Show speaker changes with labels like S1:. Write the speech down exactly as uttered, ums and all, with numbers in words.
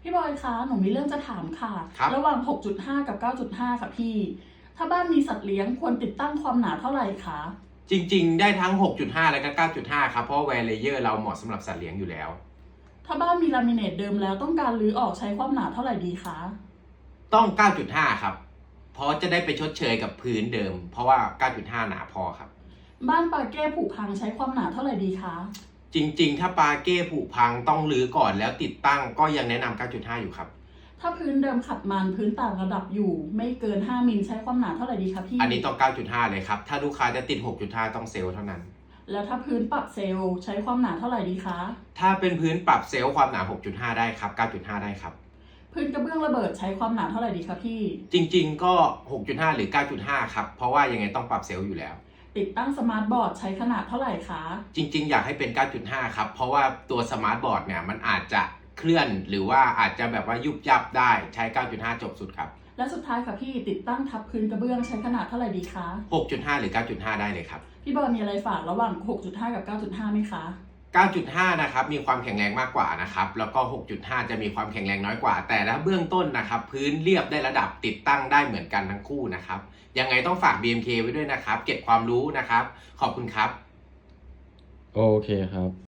S1: พี่บอยคะหนูมีเรื่องจะถามค่ะ
S2: ครับ
S1: ระหว่าง หกจุดห้า กับ เก้าจุดห้า ค่ะพี่ ถ้าบ้านมีสัตว์เลี้ยงควรติดตั้งความหนาเท่าไหร่คะ
S2: จริงๆได้ทั้ง หกจุดห้า และก็ เก้าจุดห้า ครับเพราะว่าแวร์เลเยอร์เราเหมาะสำหรับสัตว์เลี้ยงอยู่แล้ว
S1: ถ้าบ้านมีลามิเนตเดิมแล้วต้องการรื้อออกใช้ความหนาเท่าไหร่ดีคะ
S2: ต้อง เก้าจุดห้า ครับเพราะจะได้ไปชดเชยกับพื้นเดิม เพราะว่า เก้าจุดห้า หนาพอครับ
S1: บ้านปาเก้ผุพังใช้ความหนาเท่าไหร่ดีคะ
S2: จริงๆถ้าปาเก้ผุพังต้องรื้อก่อนแล้วติดตั้งก็ยังแนะนำ เก้าจุดห้า อยู่ครับ
S1: ถ้าพื้นเดิมขัดมันพื้นต่างระดับอยู่ ไม่เกิน ห้า มิลใช้ความหนาเท่าไหร่ดีคะพี่
S2: อันนี้ต้อง เก้าจุดห้า เลยครับถ้าลูกค้าจะติด หกจุดห้า ต้องเซลล์เท่านั้น
S1: แล้วถ้าพื้นปรับเซลล์ใช้ความหนาเท่าไหร่ดีคะ
S2: ถ้าเป็นพื้นปรับเซลล์ความหนา หกจุดห้า ได้ครับ เก้าจุดห้า ได้ครับ
S1: พื้นกระเบื้องระเบิดใช้ความหนาเท่าไหร่ดีคะพี่
S2: จริงๆก็ หกจุดห้า หรือ เก้าจุดห้า ครับเพราะว่ายังไงต้องปรับเซลล์อยู่แล้ว
S1: ติดตั้งสมาร์ทบอร์ดใช้ขนาดเท่าไหร่คะ
S2: จริงๆอยากให้เป็น เก้าจุดห้า ครับเพราะว่าตัวสมาร์ทบอร์ดเนี่ยมันอาจจะเคลื่อนหรือว่าอาจจะแบบว่ายุบยับได้ใช้ เก้าจุดห้า จบสุดครับ
S1: และสุดท้ายค่ะพี่ติดตั้งทับพื้นกระเบื้องใช้ขนาดเท่าไหร่ดีคะ
S2: หกจุดห้า หรือ เก้าจุดห้า ได้เลยครับ
S1: พี่บอยมีอะไรฝากระหว่าง หกจุดห้า กับ เก้าจุดห้า ไหมคะ
S2: เก้าจุดห้า นะครับมีความแข็งแรงมากกว่านะครับแล้วก็ หกจุดห้า จะมีความแข็งแรงน้อยกว่าแต่ถ้าเบื้องต้นนะครับพื้นเรียบได้ระดับติดตั้งได้เหมือนกันทั้งคู่นะครับยังไงต้องฝาก บี เอ็ม เค ไว้ด้วยนะครับเก็บความรู้นะครับขอบคุณครับ
S3: โอเคครับ